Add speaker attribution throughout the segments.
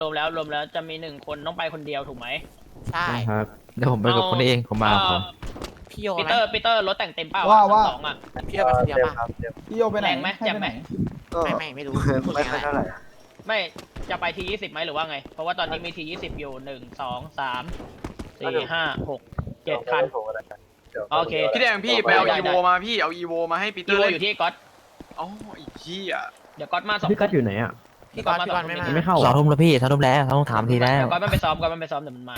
Speaker 1: รวมแล้วจะมี1 คนต้องไปคนเดียวถูกไหม
Speaker 2: ใช่
Speaker 3: ครับเดี๋ยวผมไปกับคนนี้เองผมมากับเขา
Speaker 2: พี่โย
Speaker 1: ปี
Speaker 2: ไหม
Speaker 1: เตอร์รถแต่งเต็มเปล่า
Speaker 4: ว่า
Speaker 1: สองอ่ะ
Speaker 2: พี่โยไปคนเดียวป่ะ
Speaker 4: พี่โยไปไหน
Speaker 1: แรงไหม
Speaker 4: ให้
Speaker 1: แจ่ม
Speaker 4: ไป
Speaker 1: ไหม
Speaker 4: ไหน
Speaker 5: ก็
Speaker 2: ไม่รู้
Speaker 5: ไม่ค่อยเท่าไหร่
Speaker 1: ไม่จะไปที20ไหมหรือว่าไง เพราะว่าตอนนี้มีที20อยู่1 2 3 4 5 6 7 คัน โอเค
Speaker 6: พี่แดงพี่ไปเอา
Speaker 1: ได้
Speaker 6: อีโวมาพี่เอาอีโวมาให้ปีเตอ
Speaker 1: อี
Speaker 6: ร์
Speaker 1: โว
Speaker 6: เล่น
Speaker 1: อยู่ที่ก๊อต
Speaker 6: อ๋ออีกที่อ่ะ
Speaker 1: เดี๋ยวก๊อตมา2
Speaker 3: พี่กัดอยู่ไหนอ่ะ
Speaker 2: พี่กอนไม่มา
Speaker 3: ไม่เข้า
Speaker 7: สองทุ่มแล้วพี่สองทุ่มแล้วต้องถามทีแล้ว
Speaker 1: ก๊อตมันไปซ้อมเดี๋ยวมันมา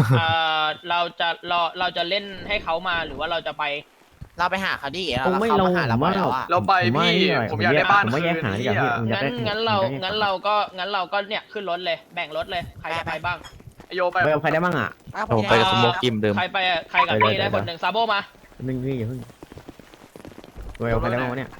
Speaker 1: เราจะเล่นให้เขามาหรือว่าเราจะไป
Speaker 2: เราไปหาเขาดิ
Speaker 3: คงไม่
Speaker 2: เขา
Speaker 3: ลง
Speaker 2: มาหาเรา
Speaker 3: ว่า
Speaker 2: แล้วอ่ะ
Speaker 6: เราไปพี่ผมอยากได้บ้าน
Speaker 3: ผม
Speaker 6: คื
Speaker 3: ว่าแยก
Speaker 6: น
Speaker 3: หาดี
Speaker 6: พี่
Speaker 3: กว่า
Speaker 6: อ่ะ
Speaker 3: พี่
Speaker 1: งั้นเราก็เนี่ยขึ้นรถเลยแบ่งรถเลยใครจะไปบ้าง
Speaker 6: ไอโยไป
Speaker 3: ไปกับใครได้บ้างอ่ะ
Speaker 7: ผมไปกับสโมกกิมเดิม
Speaker 1: ใครไปอะใครกับพี่ได้คนหนึ่งซาโบมา
Speaker 3: นึงนี่อย่าเพิ่งไปกับใครได้บ้างวะเนี่ย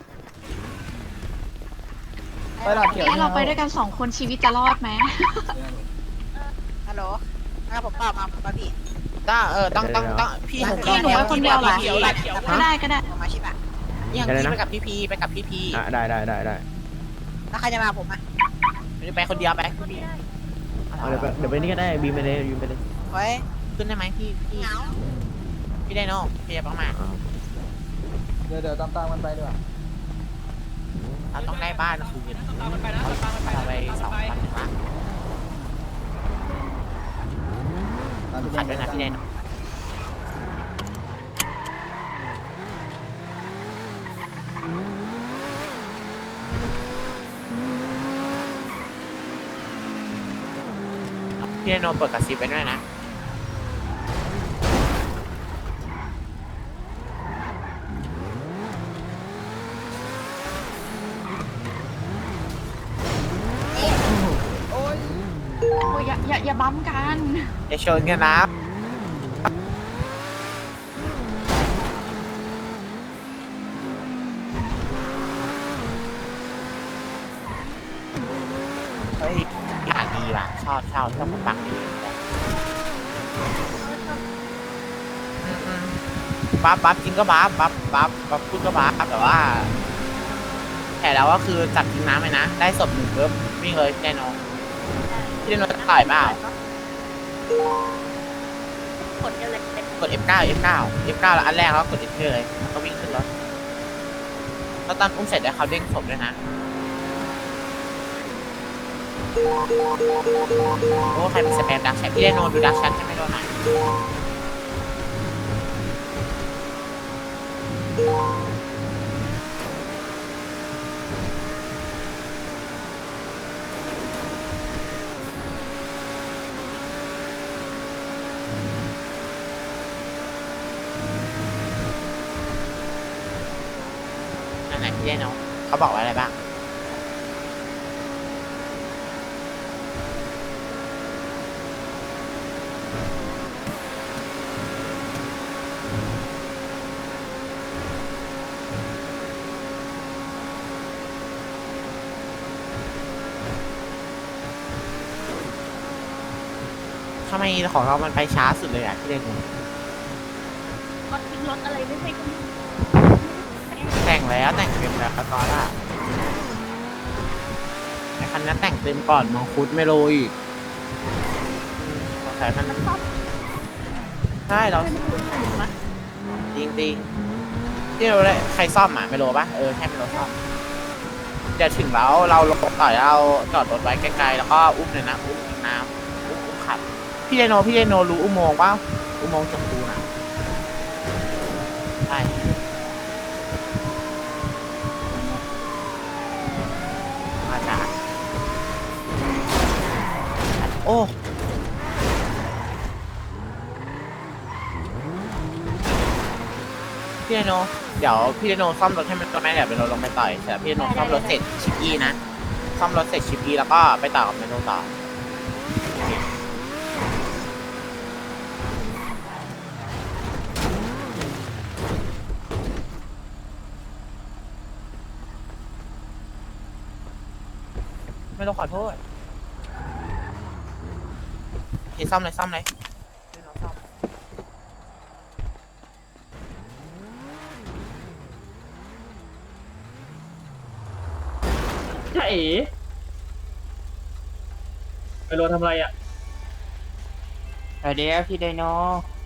Speaker 4: ไปหลับเขียว
Speaker 8: เราไปด้วยกัน2 คนชีวิตจะรอดไหม
Speaker 9: ฮัลโหลผมเปล่ามาปะพี่
Speaker 2: ต้องพี่
Speaker 8: พี่หนูไปคนเดียวเหรอ
Speaker 1: เขียวเขียว
Speaker 8: ก็ได้ก็ได้
Speaker 9: ผมมาชิบะ
Speaker 2: อย่างพี่ไปกับพี่พีไปกับพี่พี
Speaker 3: ได้
Speaker 9: แล้วใครจะมาผมอ่ะ
Speaker 2: ไปคนเดียวไปพี่พี
Speaker 3: เดี๋ยวไปนี่ก็ได้บีมไปเลย
Speaker 9: เฮ้ย
Speaker 2: ขึ้นได้ไหมพี่พี่ไดโน่พี่จะต้องมา
Speaker 4: เดี๋ยวตามมันไปดีกว่า
Speaker 2: เราต้องได้บ้านคืนเราไป2,000ละขัดด้วยนะพี่ไดโน่พี่ไดโน่เปิดกระซิบไปด้วยนะ
Speaker 8: โอ้ยอย่าบั๊มกัน
Speaker 2: อย่าชนกันนะเฮ้ยอ่านดีว่ะชอบคนฟังดีบัฟจริงก็บัฟพูดก็บัฟแต่ว่าแต่แล้วก็คือจับทิ้งน้ำไปนะได้ศพ1ปุ๊บวิ่งเลยแน่นอนพี่เดนจะต่อยเปล่า
Speaker 9: ผลกันเลย
Speaker 2: กด F9 แล้วอันแรกแล้วกด F เลยแล้วก็วิ่งขึ้นรถแล้วตอนอุ้มเสร็จแล้วเขาเด้งศพด้วยนะโอ้ใครเป็นสแปมดักแชทพี่ไดโนดูดักแชทให้ไม่โดนหน่อยนั่นไหนพี่ไดโนเขาบอกว่าอะไรบ้างทำไมของเรามันไปช้าสุดเลยอ่ะพี่ไดโน
Speaker 9: ก็ทิ้งรถอะไรไม่ใช่ก็
Speaker 2: แต่งแล้วแต่งเต็มแล้วตอนละไอ้คันนั้นแต่งเต็มก่อนมังคุดไม่โรยอีกสงสัยมันใช่เราจริงที่เราเลยใครซ่อมอ่ะไม่โรปะให้ไม่โรซ่อมเดี๋ยวถึงแล้วเราลงต่อยเราจอดรถไว้ไกลๆแล้วก็อุ้มเลยนะอุ้มน้ำอุ้มขับพี่ไดโนรู้อุโมงค์ว่าอุโมงค์ชมพูนะใช่มาจากโอ้พี่ไดโนเดี๋ยวพี่ไดโนซ่อมรถให้มันตัวแม่เดี๋ยวเป็นรถลงไปต่อยเสร็จพี่ไดโนซ่อมรถเสร็จชิปอีนะซ่อมรถเสร็จชิปอีแล้วก็ไปต่อกับเมนูต่อไม่ต้องขอโทษซ่อมเลยซ่อมเลย
Speaker 3: ใช่
Speaker 1: ไปโรทำอะไรอ่ะ
Speaker 8: เดี๋ยวพี่ไดโน